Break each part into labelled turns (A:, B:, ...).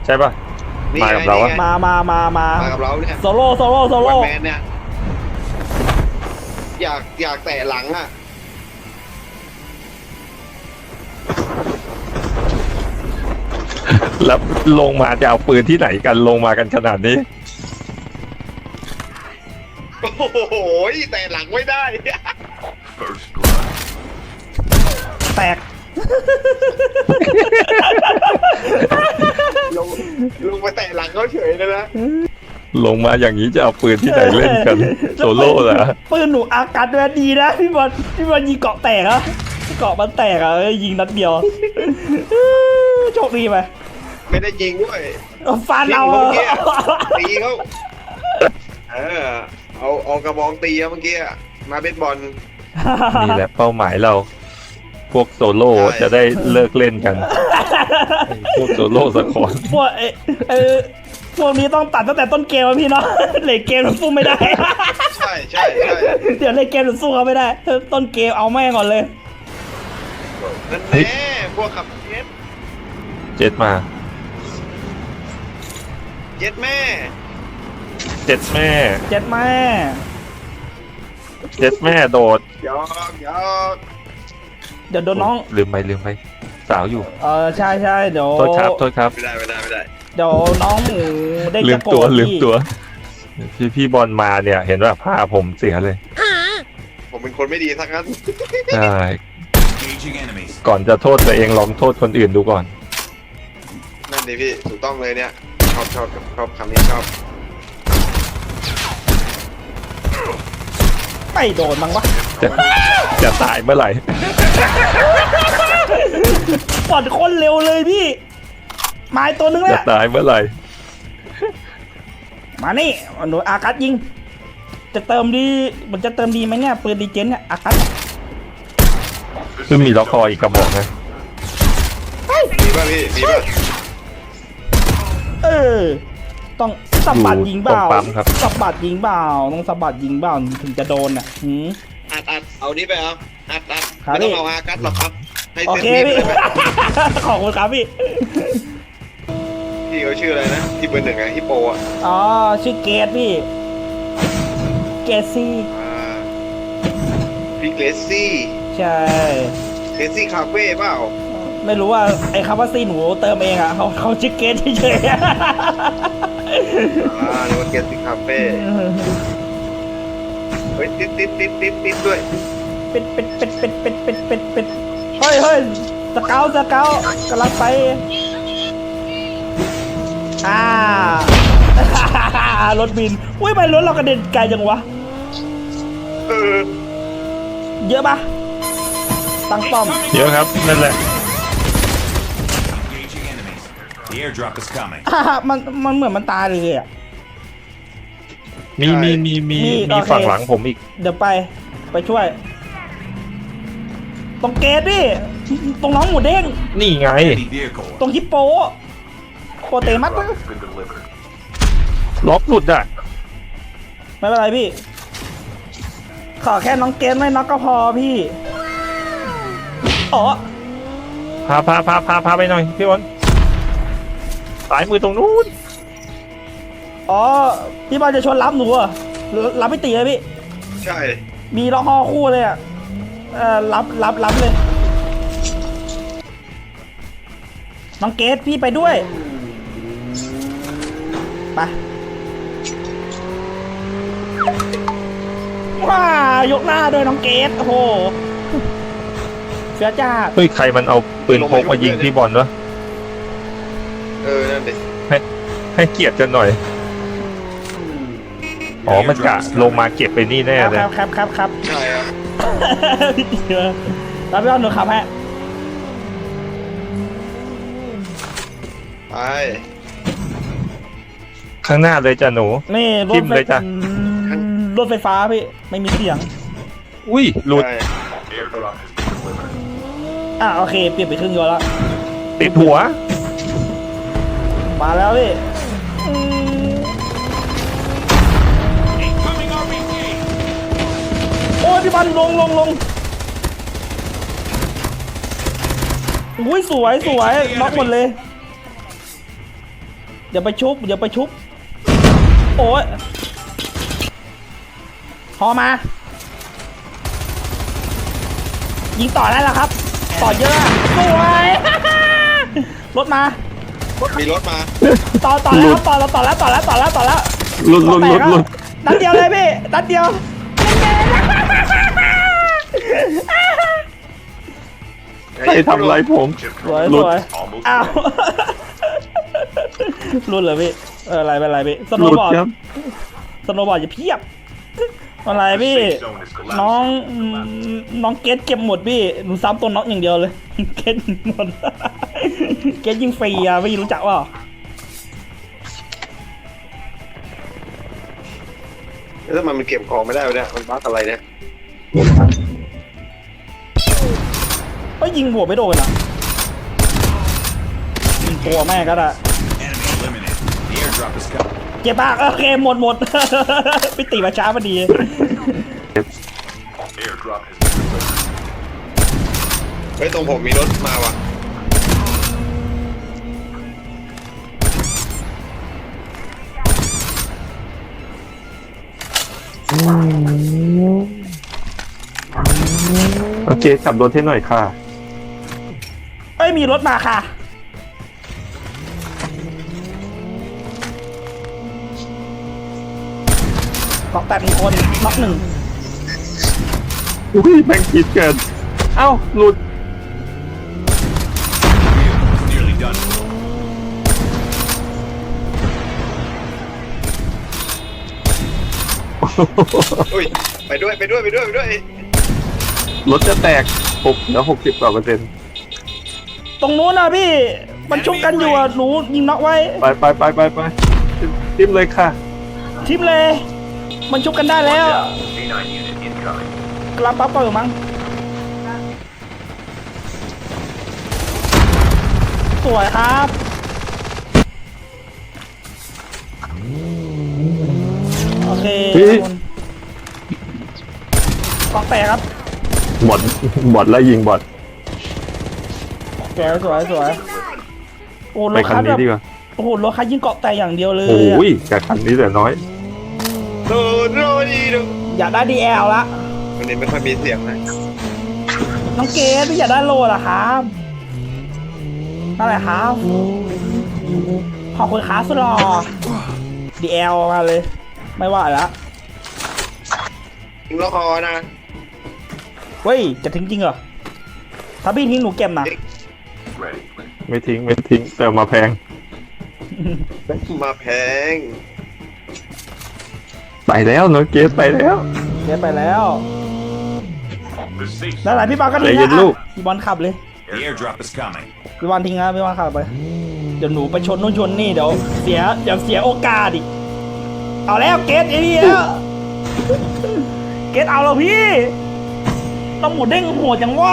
A: ใช่ป่ะมากับเราอะ
B: มากับเราเนี่ย
C: โซโล่
B: วันแมนเนี่ยอยากแตะหลังอ่ะ
A: แล้วลงมาจะเอาปืนที่ไหนกันลงมากันขนาดนี้
B: โอ้โหแตะหลังไม่ได้
C: แตก
B: ลงไปแตะหลังเขาเฉยเลยนะ
A: ลงมาอย่างนี้จะเอาปืนที่ไหนเล่นกันโซโล่เหรอ
C: ปืนหนูอากาศด้วยดีนะพี่บอลยิงเกาะแตกอะเกาะมันแตกอะยิงนัดเดียวโชคดีไหม
B: ไม่ได้ยิงด้วย
C: ฟันเอา
B: ตีเขาเอากระบองตีเมื่อกี้มาเบสบอล
A: นี่แหละเป้าหมายเรา พวกโซโล่จะได้เลิกเล่นกัน พวกโซโล่สักคน
C: พวกนี้ต้องตัดตั้งแต่ต้นเกมพี่เนาะเลทเกมมันสู้ไม่ได้
B: ใช่
C: เดี๋ยวเลทเกมมันสู้เขาไม่ได้ต้นเกมเอาแม่งก่อนเลย
B: นั่นแน่พวกขับ
A: เจ็ดมา
B: เจ็ดแม่
A: เจ็ดแม่
C: เจ็ดแม่
A: เจ็ดแม่โดด
B: ยอก
C: เดี๋ยวโดนน้อง
A: ลืมไปสาวอยู่
C: ใช่เดี๋ยว
A: โทษครับ
B: ไม่ได้
C: เดี๋ยวน้องหมูได้
A: ลื
C: จะ
A: ม
C: โกร
A: ตัว
C: ธ
A: ลืมตัวพี่บอลมาเนี่ยเห็นว่าผ้าผมเสียเลย
B: ผมเป็นคนไม่ดีสักนั้น
A: ใช่ก่อนจะโทษตัวเองลองโทษคนอื่นดูก่อน
B: นั่นดิพี่ถูกต้องเลยเนี่ยชอบคำนี้ชอบ
C: ไม่โดนมั้งวะ
A: จะตายเมื่อไหร่
C: ปอดคนเร็วเลยพี่ไม้ตัวนึงแห
A: จะ
C: ละ
A: ตายเมื่อไหร่
C: มานี่หนูอากัสยิงจะเติมดีมันจะเติมดีไหมเนี่ยปืนดีเจนเนี่ยอากัส
A: คือมีล็อกคออีกกระบอกนะ
B: มีป่ะพี่มีป่ะ
C: ต้องสะบัดยิงเปล่า
A: ตรงปั๊มครับ
C: สะบัดยิงเปล่าต้องสะบัดยิงเปล่าถึงจะโดนอ่ะ
B: อัดเอานี้ไปเอาอัด
C: ครับ
B: ไม่ต้องเอาอากัสหรอกครับให้
C: โอ
B: เซ็น
C: เค
B: พี่
C: พี่
B: ไป
C: ขอบคุณครับพี่
B: พี่เขาชื่ออะไรนะที่เบอร์หนึ่งอะฮิปโปอะ
C: อ๋อชื่อเกตพี่เกตซี่
B: พี่เกรซซี่
C: ใช่
B: เกรซซี่คาเฟ่เปล่า
C: ไม่รู้ว่าไอ้คำว่าซี่หนูเติมเองอ่ะเขาชื่อเกตเฉย
B: หรือว่าเกรซซี่คาเฟ่เฮ้ยติดด้วย
C: เป็ดเฮ้ยสเกลกำลังไปรถบินอุ้ยไปรถเรากระเด็นไกลจังวะเยอะปะตั้งป้อม
A: เยอะครับนั่นแหละ
C: มันเหมือนมันตายเลยอ่ะ
A: มีฝั่งหลังผมอีก
C: เดี๋ยวไปช่วยตรงเกตดิตรงน้องหมูเด้ง
A: นี่ไง
C: ตรงฮิปโปเตมัส
A: ล็อกหลุดอ่ะ
C: ไม่เป็นไรพี่ขอแค่น้องเกตไม่น็อกก็พอพี่อ๋อ
A: พาไปหน่อยพี่บอลสายมือตรงนู้น
C: อ๋อพี่บอลจะชวนรับหนูอ่ะรับไม่ตีเลยพี่
B: ใช่
C: มีล็อกฮอคู่เลยอ่ะรับเลยน้องเกตพี่ไปด้วยไปว้ายกหน้าด้วยน้องเกตโอ้โหเสียจ้า
A: เฮ้ยใครมันเอาปืนพกมายิงพี่บอลวะ
B: นั่นดิ
A: ให้เกียรติกันหน่อยอ๋อมันกะลงมาเก็บไปนี่แน่เลย
C: ครับ
B: ใช่ครับ
C: พี่ตีมารับพี่อ้อนหนูขับฮะ
B: ไป
A: ข้างหน้าเลยจ้ะหนู
C: นี่ร
A: ทิ่
C: ถ
A: มเลยจ้ะ
C: รถไฟฟ้าพี่ไม่มีเสียง
A: อุ้ยหลุด
B: ใช่
C: โอเคเปลี่ยนไปครึ่งยนต์แล้ว
A: ติดหัว
C: มาแล้วพี่โอ้ยพี่บอลลงอุ้ยสวยน็อกหมดเลยอย่าไปชุบอย่าไปชุบโอ้ยพอมายิงต่อได้แล้วครับ ต่อเยอะสวยรถมา
B: มีรถมา
C: ต่อแล้วครับต่อแล้ว
A: ลุด
C: นัดเดียวเลยพี่นัดเดียว
A: ใครทำอะไรผม
C: สวย
A: หลุด
C: อ้าวรุ่นเหรอพี่อะไรเป็นไรพี่ส
A: ห
C: โน
A: ลุ
C: ว์
A: ด
C: บอร์ด
A: ครับ
C: สโนว์บอร์ดอย่าเพียบอะไรพี่น้องเกตเก็บหมดพี่หนูซ้ำตัวน็อกอย่างเดียวเลยเกตหมดเกตยิงฟรีอ่ะไม่รู้จักว่า
B: แล้วทำไมมันเก็บของไม่ได้วะเนี่ยมันบั๊กอะไรเนี่ย
C: ก็ยิงหัวไม่โดนอ่ะยิงตัวแม่ก็ได้
D: Enemy eliminated. The airdrop is coming.
C: เจ็บมากโอเคหมด ไปตีมาช้าพอดี
D: Airdrop has been delivered.
B: เฮ้ยตรงผมมีรถมาว่ะ
A: โอเคขับรถให้หน่อยค่ะ
C: เอ้ยมีรถมาค่ะล็อกแตก1คนน็อก1
A: อุ้ยแม่งคิดเกินเอ้าหลุด
D: Nearly done.
B: อุ้ยไปด้วย
A: รถจะแตกแล้ว60 กว่าเปอร์เซ็นต์
C: ตรงนู้นนะพี่มันชุบกันอยู่อ่ะหนูยิงน็อกไว้
A: ไปจิ้มเลยค่ะ
C: ทิมเลย มันชุบกันได้แล้ว
D: K9 unit incoming.
C: กลับปั๊บเปิดมั้งสวยครับโอเค
A: เฮ้ย
C: กองแตกครับ
A: บอดแล้วยิงบอด
C: สวยโอ้ร
A: ไป
C: ถ
A: คั
C: คั
A: น
C: ส
A: นี้
C: แบบ
A: ดีกว่า
C: โอ้โหรถคัสยิงเกาะแตกอย่างเดียวเลย
A: โอ้
C: อะ
A: ยแต่คันนี้แต่น้อย
B: โดดีดู
C: อยากได้ DL ละ
B: วันนี้ไม่ค่อยมีเสียงนะ
C: น้องเกดพี่อยากได้โลล่ะครับนั่นแหละครับขอบคุณครับสุดหล่อ DL มาเลย ไม่ว่าแล้ว
B: ยิงล็อกคอนะ
C: เว้ยจะทิ้งจริงเหรอถ้าพี่ทิ้งหนูเก็บนะ
D: Ready.
A: ไม่ทิ้งแต่มาแพง
B: มาแพง
A: ไปแล้วเนอะเกสไปแล้ว
C: เก็บไปแล้ว
D: The safe
C: นั่นแหละพี่บอลก็ทิ้ง
A: ใจเย็น
C: นะ
A: ลูก
C: พี่บอลขับเลย
D: The airdrop is coming.
C: พี่บอลทิ้งนะพี่บอลขับไปเดี๋ยวหนูไปชนนู่นชนนี่เดี๋ยวเสียโอกาสอีกเอาแล้วเกตไอ้นี่แล้วเกตเอาแล้วพี่ต้องหมดเด้งโหดจังวะ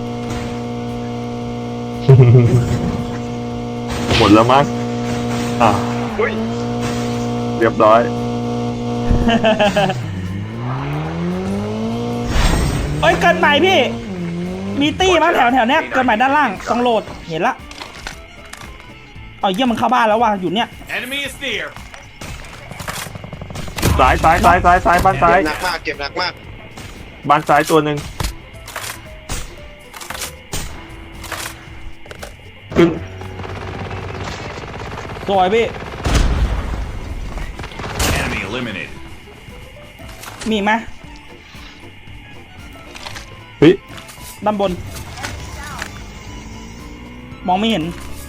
A: หมดแล้วมั้งอ่ะ
B: อุ้ย
A: เรียบร้อย
C: เอ้ยเกินใหม่พี่ มีตี้มั้งแถวเนี้ยเกินใหม่ด้านล่างต้องโหลดเห็นละเอาเยี่ยมมันเข้าบ้านแล้วว่ะอยู่เนี่ย
D: Enemy is near.
A: ซ้ายบ้านซ้าย
B: เก็บหนักมาก
A: บ้านซ้ายตัวหนึ่งขึ้น
C: สวยพี่
D: Enemy eliminated.
C: มีไหม
A: เฮ้ย
C: ด้านบน มองไม่เห็น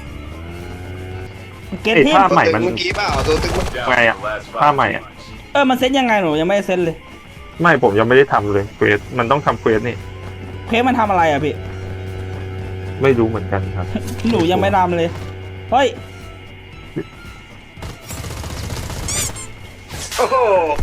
C: เกต
A: ไอ้
C: ที่
A: ท่า
B: ตัว
A: ใหม่
B: ตึง
A: มัน
B: เมื่อกี้เปล่าตัวตึง
A: ไงอะท่าใหม่อะ
C: มันเซ็ตยังไงหนูยังไม่ได้เซ็ตเลย
A: ไม่ผมยังไม่ได้ทำเลยเควสมันต้องทำเควสนี่
C: เพจมันทำอะไรอ่ะพี่
A: ไม่รู้เหมือนกันครับ
C: หนูยังไม่ทำเลยเฮ้ย
B: โอ้โห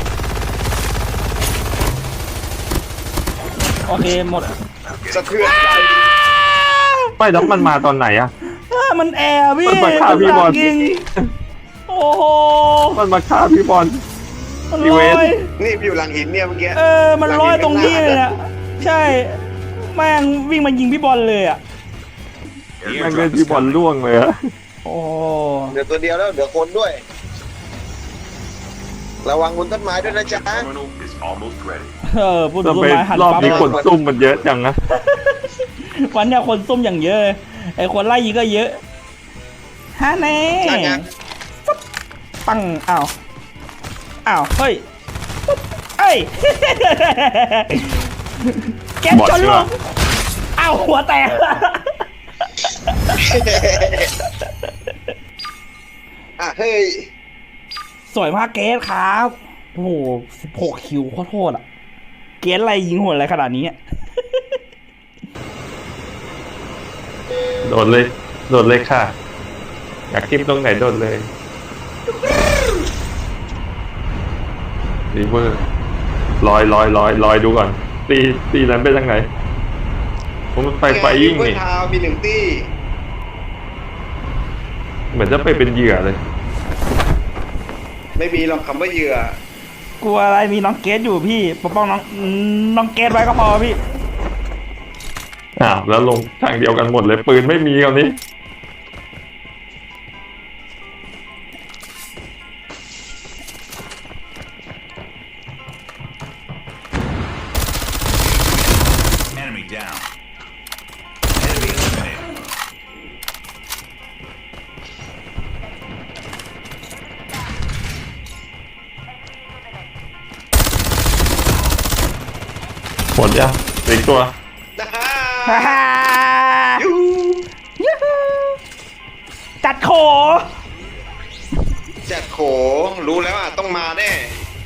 C: โอเคหมด
B: สะเทือนใจ
A: ไม่แล้วมันมาตอนไหนอะ
C: มันแอร์พี่
A: มันมาฆ่าพี่บอล
C: ยิงโอ้โห
A: มันมาฆ่าพี่บอล
C: มัน
A: อี
C: ล
A: เว
C: อน
A: ต์
C: ย
B: นี่อยู่หลังหินเนี่ยเมื่อกี้
C: มันลอยตรงนี้เลยเนี่ยใช่แม่งวิ่งมายิงพี่บอลเลยอ่ะ
D: The
A: มันเป็น
D: airdrop is
A: พี่บอล
D: coming.
A: ล่วงเลยอะ
C: โอ้
B: เหลือตัวเดียวแล้วเหลือคนด้วย ระวังบนต้นไม้ด้วยนะจ๊ะ
D: Terminal is almost ready.
C: พูดถึง
A: ทำ
C: ต้
A: ไม
C: นไม้หัน
A: รอบ
C: ปั๊บ
A: นี้คนซุ่มมันเยอะจังนะ
C: วันเนี้ยคนซุ่มอย่างเยอะเลยไอ้คนไล่ยิงก็เยอะฮะแน่
B: ใช่ไง
C: ปุ๊บปังอ้าวเฮ้ยปุ๊บเอ้ย แกม
A: บอด
C: ชน
A: ใช่
C: ล
A: ปะ
C: งอ้าวหัวแตก
B: อ่ะเฮ้ย
C: สวยมากเกสครับ โอ้โห16 คิวโคตรโหดอ่ะ เกสอะไรยิงโหดอะไรขนาดนี้อะ
A: โดดเลยค่ะ อยากคลิปตรงไหนโดดเลยรีเวอร์ลอยดูก่อน ตีนั้นไปทางไหน ผมมันไปยิ่ง
B: เพื่อ
A: นี่
B: นทาวมีหนึ่งตี้
A: เหมือนจะไปเป็นเหยื่อเลย
B: ไม่มีหรอกคำว่าเหยื่อก
C: ลัวอะไรมีน้องเกสอยู่พี่ปกป้องน้องเกสไว้ก็พอพี่
A: แล้วลงทางเดียวกันหมดเลยปืนไม่มีคราวนี้
D: Enemy down. Enemy eliminated.
A: หมดยังเหลืออีกตัว
B: นะฮะ
C: ฮ่าฮ่า
B: ยู
C: ยูฮูจัดโข
B: จัดโขรู้แล้วอ่ะต้องมาแน่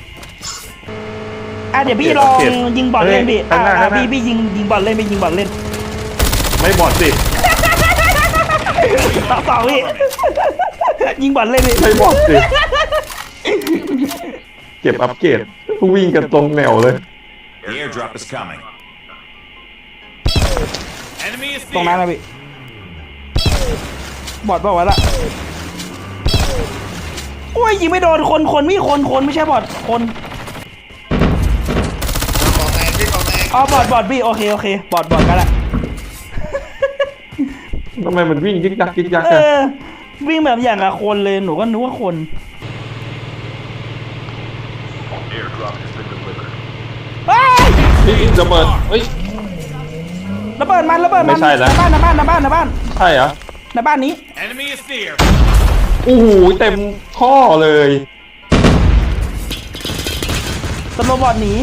C: เดี๋ยวพี่ลองยิงบอลเล่นพี่
A: ข้างหน้าข้างหน้า
C: พี่ยิงบอลเล่นพี่ยิงบอลเล่น
A: ไม่บอดสิ
C: ต่อพี่ ยิงบอลเล่นพี่
A: ไม่บอดสิ เก็บอัปเกรดวิ่งกันตรงแนวเลย
D: The airdrop is coming. Enemy is
C: ตรงนั้น
D: there.
C: นะพี่บอดเปล่าวะล่ะโอ้ยยิงไม่โดนคนไม่ใช่บอดคน
B: ขอแตกพี่ขอแตก
C: อ๋อบอดพี่โอเคบอดกันละ
A: ทำไมมันวิ่งยิกยักยิกยัก
C: เอ
A: อะ
C: อวิ่งแบบอย่างกับคนเลยหนูก็นึกว่าคน
D: Airdrop has been delivered.
C: เฮ้ย
A: นี่ระเบิดเฮ้ย
C: ระเบิดมัน
A: ไม่ใช่แล้ว
C: ในบ้าน
A: ใช่เหรอ
C: ในบ้านนี้
D: Enemy is there.
A: โอ้โหเต็มข้อเลย
C: ตำรวจบอดหนี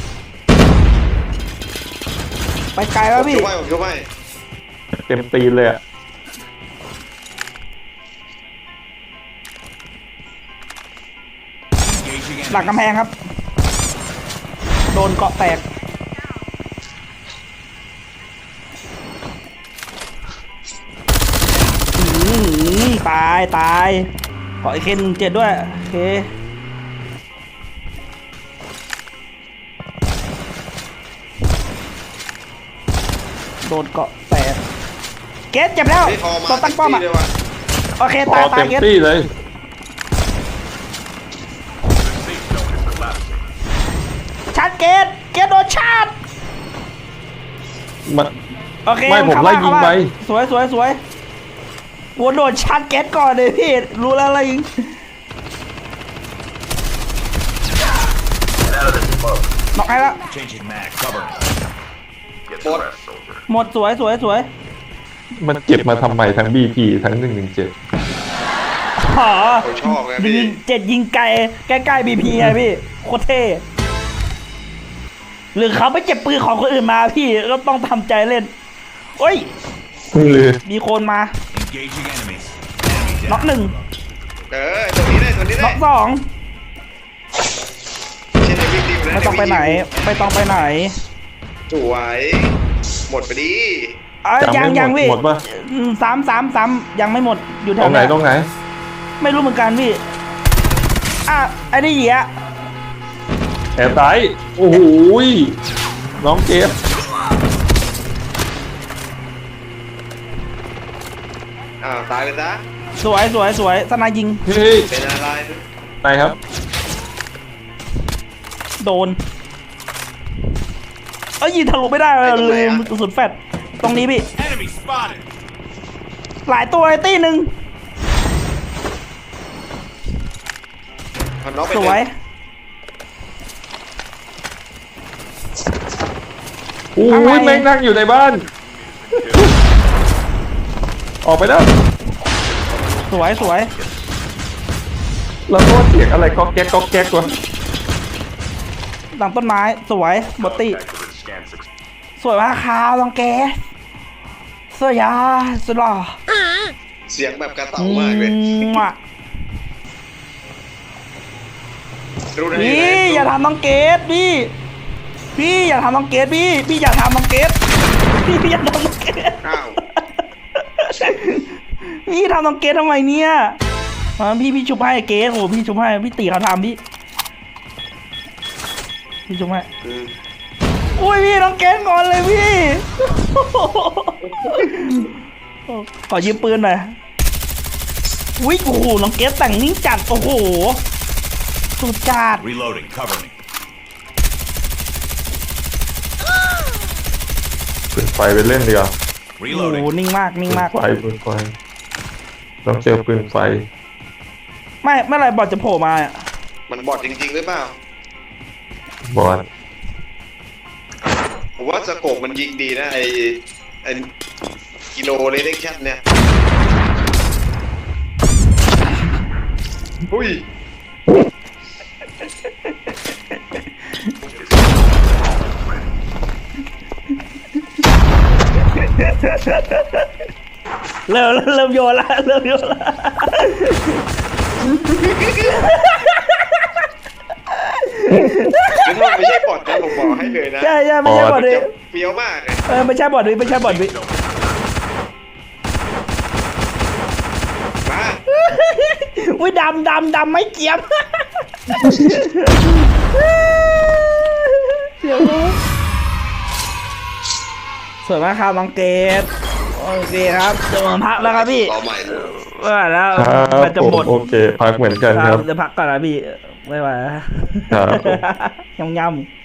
C: ไปไกลแล้วพี่
B: ผมช่วย
A: เต็มตีนเลยอะ
D: Engaging
C: หลัง
D: enemies.
C: กำแพงครับ โดนเกาะแตกตายขอไอเคน7ด้วยโอเคโดนเกาะแตกเกสเจ็บแล้ว
B: พี่พอมา
C: ต้องตั้งป้อมอ่ะ
B: เลยว่ะ
C: โอเค
A: พอ
C: ตาย
A: เต็ม
C: เกส
A: ที่เลย
D: The safe zone is collapsing.
C: ชาร์จเกสโดนชาร์จ
A: มัน
C: โอเค
A: ไม่ผม
C: เข้า
A: ไล่ยิงไป
C: สวยวัวโดนชาร์จเกสก่อนเลยพี่รู้แล้วอะไรยิงน็อกให้แล้ว
D: Changing mag. Cover. Get
B: Bot.
D: rest, soldier.
C: หมดสวย
A: มันเก็บมาทำไมทั้ง BP ทั้ง 117
C: อ๋อ
B: ผมชอบไง
C: ยิ
B: พี่
C: ง7ยิงไกลใกล้ๆบีพีไงพี่โคตรเท่หรือเขาไปเก็บปืนของคนอื่นมาพี่ก็ต้องทำใจเล่นโอ้ย
A: หรือ
C: มีคนมา
D: Engaging enemies. Enemy
C: น็อก
D: down.
C: หนึ่ง
B: ตัวนี้ได้
C: น็อกสอง
B: เช่นในวิ่งดีอยู่นะ
C: ไม่ต้องไปไหน
B: สวยหมดไปดี
C: ยังพี่
A: หมดปะ
C: สามยังไม่หมดอยู่แถ
A: ตร
C: ว
A: งไหนตรงไหน
C: ไม่รู้เหมือนกันพี่ไอ้นี่เหี้ย
A: แอบไตโอ้โหยน้องเกฟ
B: ตายเลยนะ
C: สวยสนายยิง
A: เฮ้ย
B: เป็นอะไร
A: ไหนครับ
C: โดนยิงทะลุไม่ได้เลยลืมกระสุนแฟดตรงนี้พี่
D: Enemy spotted.
C: หลายตัวไอ้ตี้หนึ่ง
B: เอาน็อกไป
C: ส
B: เล
C: วย
B: ย
A: โอ้
C: อะไร
A: ยแม่งนั่งอยู่ในบ้าน ออกไปแล้ว
C: สวยสวย
A: แล้วก็เสียงอะไรก๊อกแก๊กก๊อกแก๊กวะ
C: หลังต้นไม้สวยหมดติ
D: Activate scan success.
C: สวยมากครับลองแกสวยยาสุดหล่อ
B: เสียงแบบกระเต่ามากเลย
C: อ่ะ
B: รู้ได้
C: พี่
B: ไง
C: อย่าทำน้องเกดพี่อย่าทำน้องเกดพี่อย่าทำน้องเกดพี่อย่าทำน้องเกด
B: อ้าว
C: พี่ทำน้องเกดทำไมเนี่ยพี่ชุบให้เกดโอ้พี่ชุบให้พี่ตีเขาทำพี่ชุบให้
B: อืม
C: อุ้ยพี่น้องเกดงอนเลยพี่ขอยืมปืนหน่อยวิโอ้โหน้องเกดแต่งนิ่งจัดโอ้โหสุดจัด
D: Reloading. Cover me.
A: ปืนไฟไปเล่นดีกว่า
C: โอ้โห
D: Reloading.
C: นิ่งมากนิ่งมาก
A: ปืนไฟต้องเจอปืนไฟ
C: ไม่เมื่อไหรบอทจะโผล่มาอ่ะ
B: มันบอดจริงๆหรือเปล่า
A: บอส
B: ผมว่าสโคปมันยิงดีนะไอกิโลเลเด็กชัดเนี่ยอุ้ย
C: เริ่มโยนละเริ่มโยนละ
B: นี่ถ้ามันไม่ใช่บอดนะผมบอกให้เลยนะ
C: ใช่ไม่ใช่บอทดิ
B: จะเฟี้ยวมากเลย
C: ไม่ใช่บอทดิไม่ใช่บอทดิ
B: มา
C: อุ้ยดำไม่เกียบเสียวสวยมากครับน้องเกดโอเคครับจะมาพักแล้วครับพี่
B: ต่อใหม่
C: ไม่ไหวแล้ว
A: ครับ
C: มันจะ
A: ผม
C: หมด
A: โอเค พักเหมือนกัน
C: ค
A: ค
C: รั
A: รั
C: บบ จะพักก่อนนะพี่ไม่ไหว
A: ครับผม
C: ยำ